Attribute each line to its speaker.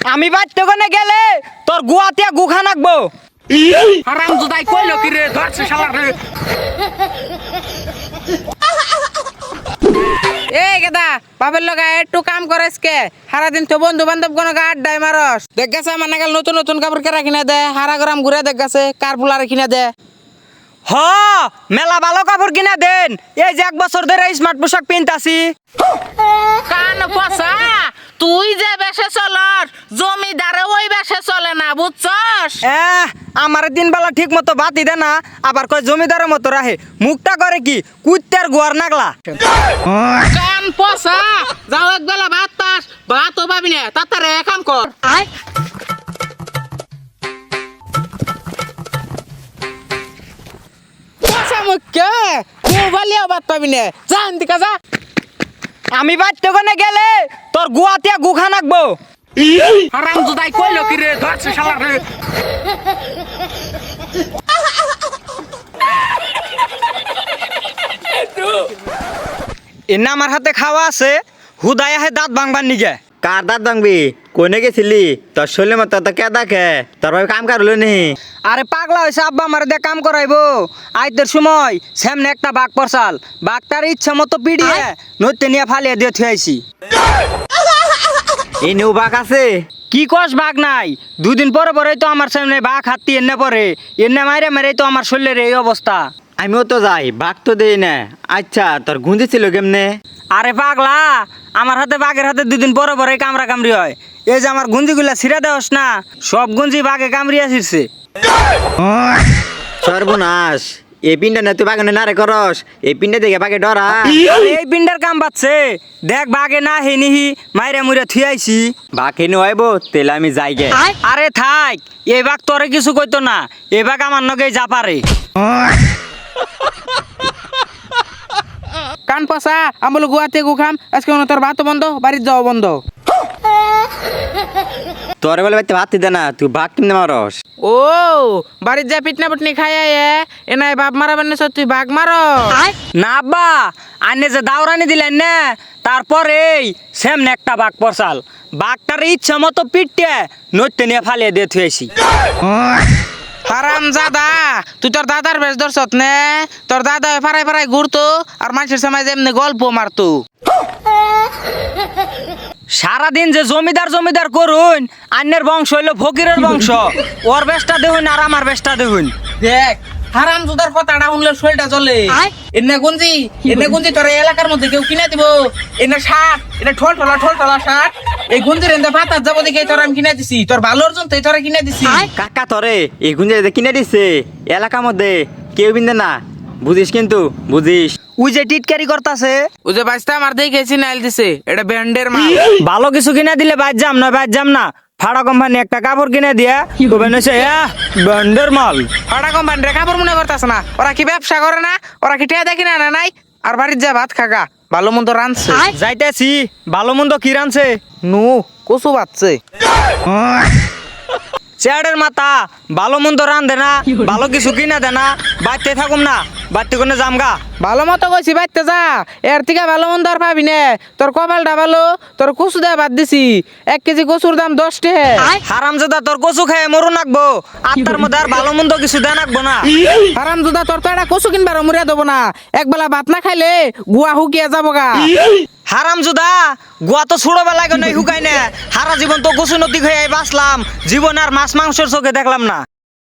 Speaker 1: আমি বাইতে কোনে গেলে তোর গুয়াতে গুখা নাকবো।
Speaker 2: হারাম জুদাই কইলো কি রে ধরছে শালা রে। এই গেদা বাপের লগা একটু কাম করেস কে সারাদিন তো বন্ধু বান্ধব কোনো আড্ডায় মারস। দেখ গেছে মানে গেল নতুন নতুন কাপড় কেরা কিনা দে হারা গরম ঘুরে দেখ গেছে কার ফুলারে কিনা দে।
Speaker 1: হ মেলা ভালো কাপড় কিনা দেন, এই যে 1 বছর ধরে স্মার্ট পোশাক পিনতাছি।
Speaker 2: কান পচা তুই যে বেশে চলস জমিদারে ওই বেশে চলে না বুঝছস।
Speaker 1: আমার দিন বেলা ঠিক মতো বাতি দে না, আবার কয় জমিদারের মতো রাহে, মুখটা করে কি কুত্তার গোয়ার নাগলা।
Speaker 2: কান পচা যাও এক বেলা ভাত পাস ভাতও পাবি না তাড়াতাড়ি কাম কর। পচা মুখে মোবাইলেও ভাত পাবি না যা এদিকে যা।
Speaker 1: আমি বাইতে কোনে গেলে তোর গুয়াতে গুখা নাকবো।
Speaker 2: হারাম জুদাই কইলো কি রে ধরছে শালা রে।
Speaker 1: এনে আমার হাতে খাওয়া আছে, হুদাই আহে দাঁত ভাঙবার নিগে।
Speaker 3: কার দাঁত ভাঙবি কোনে গেছিলি তোর শরীরের মতো তো কে দেখে তোর ভাই কাম কার হলো নি।
Speaker 1: আরে পাগলা হয়েছে আব্বা আমার দিয়ে কাম করাইবো। আইতের সময় সামনে একটা বাঘ পরসাল, বাঘটার ইচ্ছা মতো পিড়িয়ে নইতে নিয়ে ফালিয়ে দিয়ে থুয়াইছি।
Speaker 3: এই নেউ বাঘ আছে।
Speaker 1: কি কস বাঘ নাই, 2 দিন পরে পরেই তো আমার সামনে বাঘ হাতি এনে পরে, এনে মাইরে মারে তো আমার শরীরের এই অবস্থা।
Speaker 3: আমিও তো যাই বাঘ তো দেই না। আচ্ছা তোর গুঁজি ছিল কেমনে?
Speaker 1: আরে পাগলা আমার হাতে বাঘের হাতে 2 দিন পরে পরে কামড়া কামড়ি হয়। এই যে আমার গুঞ্জিগুলা ছিঁড়ে দেওস না, সব গুঞ্জি বাঘে কামড়িয়া ছিঁড়ছে।
Speaker 3: সর্বনাশ, এই পিনটা না তুই বাগানে না রে করস, এই পিনটা দেখে বাঘে ডরা।
Speaker 1: আরে এই পিন্ডার কাম বাচ্ছে, দেখ বাঘে না হে নিহি মাইরে মুইরে থুয়াইছি।
Speaker 3: বাঘ হেনু আইব তেলে আমি যাই গে।
Speaker 1: আরে থাক, এই বাঘ তোরে কিছু কইতো না, এই বাঘ আমার নগেই যা পারে।
Speaker 2: কান পচা আমি বলো গুয়াতে গুখাম আজকে তোর ভাত বন্ধ বাড়ির যাওয়া বন্ধ।
Speaker 3: তোরে বলে বাইতে ভাত দে না, তুই বাঘ কিনে মারস।
Speaker 2: ও বাড়ির যা পিটনা পিটনি খাইয়া এ নাই বাপ মারাবেন না তুই বাঘ মার।
Speaker 1: না আব্বা, আনে যে দাওরানি দিলেন না, তারপরেই সেমনে একটা বাঘ পরসাল, বাঘটার ইচ্ছা মতো পিটতে নইতে নিয়ে ফালিয়ে দিয়ে থুয়েছি।
Speaker 2: হারাম জাদা তুই তোর দাদার বেশ ধরছত নে, তোর দাদা ফারাই ফারাই ঘুরতো আর মানুষের সময় যেমনি গল্প মারতো।
Speaker 1: সারাদিন যে জমিদার জমিদার করুন, আন্যের বংশ হইলো ফকিরের বংশ, ওর বেশটা দেখুন আর আমার বেশটা দেখুন।
Speaker 2: দেখ হারাম জুদার কথাটা শুনলে শরীরটা চলে। এনে গুঞ্জি তোর এই এলাকার মধ্যে কেউ কিনে দিব। এনে শার্ট এটা ঠোল ঠোলা শার্ট, এই গুঞ্জির এনে ভাতার যাবো দেখে তোর আমি কিনে দিছি, তোর ভালোর জন্য তোরা কিনে দিছি।
Speaker 3: কাকা তোরে এই গুঞ্জে কিনে দিছে এলাকার মধ্যে কেউ বিন্দে না, বুঝিস কিন্তু বুঝিস।
Speaker 1: ওই যে টিটকারি করতাছে,
Speaker 2: ও যে বাইসটা আমার দেখেছি নাইল দিছে এটা ব্যান্ডের মাল।
Speaker 1: ভালো কিছু কিনে দিলে বাদ যাম না, বাদ যাম না। ফাড়া কোম্পানি একটা কাপড় কিনে দিয়া কবে নইছে ব্যান্ডের মাল।
Speaker 2: ফাটা কোম্পানির কাপড় মনে করতেছে না, ওরা কি ব্যবসা করে না, ওরা কি টেয়া দেখি না না নাই। আর বাড়ির যা ভাত খাগা ভালো মন্দ রানছে।
Speaker 1: যাইতেছি, ভালো মন্দ কি রানছে?
Speaker 2: নু কচু বাচ্ছে।
Speaker 1: চেয়ারের মাথা ভালো মন্দ রান দে না, ভালো কিছু কিনা দে না, বাড়তে থাকুম না, বাড়তে কোনে জামগা।
Speaker 2: ভালো মতো কইছি বাইতে যা, এর থেকে ভালো মন্দ আর পাবি না। তোর কপালটা ভালো, তোর কচু দেয়া বাদ দিছি, 1 কেজি কচুর দাম 10 টাকা।
Speaker 1: হারামজাদা তোর কচু খায় মরু নাকবো, আর তার মধ্যে আর ভালো মন্দ কিছু দেয়া নাকবো না।
Speaker 2: হারামজাদা তোর তো একটা কচু কিনবার মরিয়া দেবো না, একবেলা ভাত না খাইলে গুয়া হুকিয়া যাবো গা।
Speaker 1: হারামজাদা গুয়া তো ছোটবেলায় নাই হুকাই না, হারা জীবন তো কচু নদী খেয়ে বাঁচলাম, জীবন আর মাছ মাংসের চোখে দেখলাম না।